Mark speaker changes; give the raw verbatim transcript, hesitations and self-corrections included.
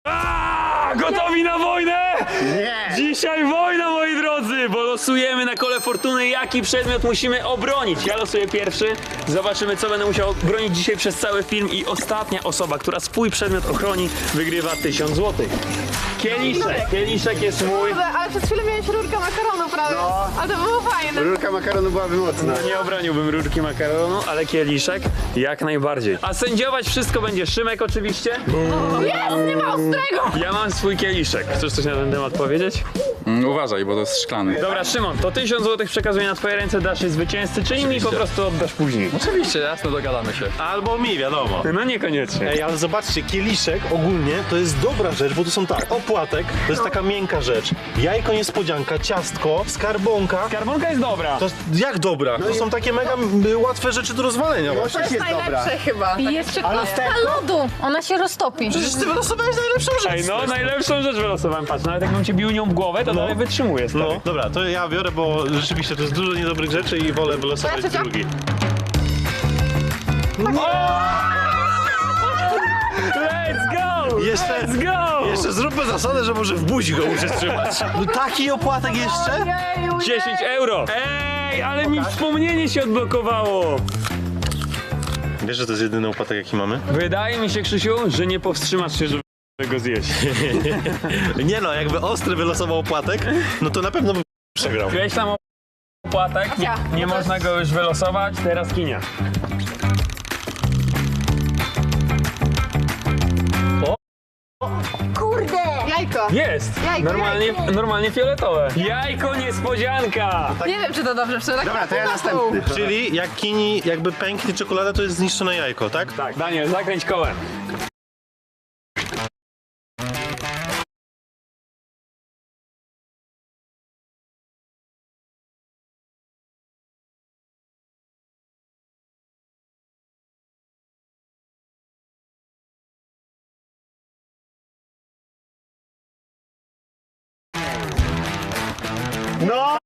Speaker 1: A, gotowi na wojnę?
Speaker 2: Nie!
Speaker 1: Dzisiaj wojna, moi drodzy, bo losujemy na kole fortuny, jaki przedmiot musimy obronić. Ja losuję pierwszy, zobaczymy, co będę musiał bronić dzisiaj przez cały film i ostatnia osoba, która swój przedmiot ochroni, wygrywa tysiąc złotych. Kieliszek, kieliszek jest mój.
Speaker 3: Kurde, ale przez chwilę miałeś rurkę makaronu prawie.
Speaker 2: No.
Speaker 3: Ale to było fajne.
Speaker 2: Rurka makaronu byłaby mocna.
Speaker 1: No nie obroniłbym rurki makaronu, ale kieliszek jak najbardziej. A sędziować wszystko będzie Szymek oczywiście.
Speaker 3: Jest, nie ma ostrego!
Speaker 1: Ja mam swój kieliszek. Chcesz coś na ten temat powiedzieć?
Speaker 4: Mm, uważaj, bo to jest szklany.
Speaker 1: Dobra, Szymon, to tysiąc złotych przekazuję na twoje ręce, dasz je zwycięzcy, czy mi po prostu oddasz później?
Speaker 4: Oczywiście, jasno, dogadamy się.
Speaker 5: Albo mi, wiadomo.
Speaker 1: No niekoniecznie.
Speaker 5: Ej, ale zobaczcie, kieliszek ogólnie to jest dobra rzecz, bo to są tak, opłatek to jest taka miękka rzecz, jajko niespodzianka, ciastko, skarbonka.
Speaker 1: Skarbonka jest dobra.
Speaker 5: To jest, jak dobra? To są takie mega y, łatwe rzeczy do rozwalenia
Speaker 2: To
Speaker 5: właśnie.
Speaker 2: też jest dobra.
Speaker 3: Najlepsze chyba.
Speaker 6: I jeszcze
Speaker 2: Ale
Speaker 6: kostka
Speaker 2: lusterko?
Speaker 6: lodu, ona się roztopi.
Speaker 5: Przecież ty wylosowałeś najlepszą rzecz.
Speaker 1: Ej, no najlepszą rzecz wylosowałem, patrz, nawet jakbym cię bił nią w głowę, to dalej wytrzymuje, stary.
Speaker 5: No, dobra, to ja biorę, bo rzeczywiście to jest dużo niedobrych rzeczy i wolę wylosować
Speaker 3: Moja ciocia?
Speaker 5: drugi.
Speaker 1: Let's go!
Speaker 5: Jeszcze-
Speaker 1: Let's go!
Speaker 5: Jeszcze zróbmy zasadę, że może w buzi go muszę trzymać. No taki opłatek jeszcze?
Speaker 3: Jeju,
Speaker 1: dziesięć euro! Ej, ale mi wspomnienie się odblokowało!
Speaker 5: Wiesz, że to jest jedyny opłatek, jaki mamy?
Speaker 1: Wydaje mi się, Krzysiu, że nie powstrzymasz się, żeby go zjeść.
Speaker 5: Nie no, jakby ostry wylosował opłatek, no to na pewno bym przegrał.
Speaker 1: Wieś tam opłatek, nie, nie można go już wylosować, teraz kinia.
Speaker 6: Kurde!
Speaker 3: Jajko.
Speaker 1: Jest!
Speaker 3: Jajko,
Speaker 1: Normalnie, normalnie fioletowe. Jajko niespodzianka!
Speaker 3: Nie wiem, czy to dobrze, czy to tak
Speaker 2: Dobra, to ja
Speaker 3: pół na pół.
Speaker 2: następny.
Speaker 5: Czyli jak kini jakby pęknie czekolada, to jest zniszczone jajko, tak?
Speaker 1: Tak, Daniel, zakręć kołem.
Speaker 2: No!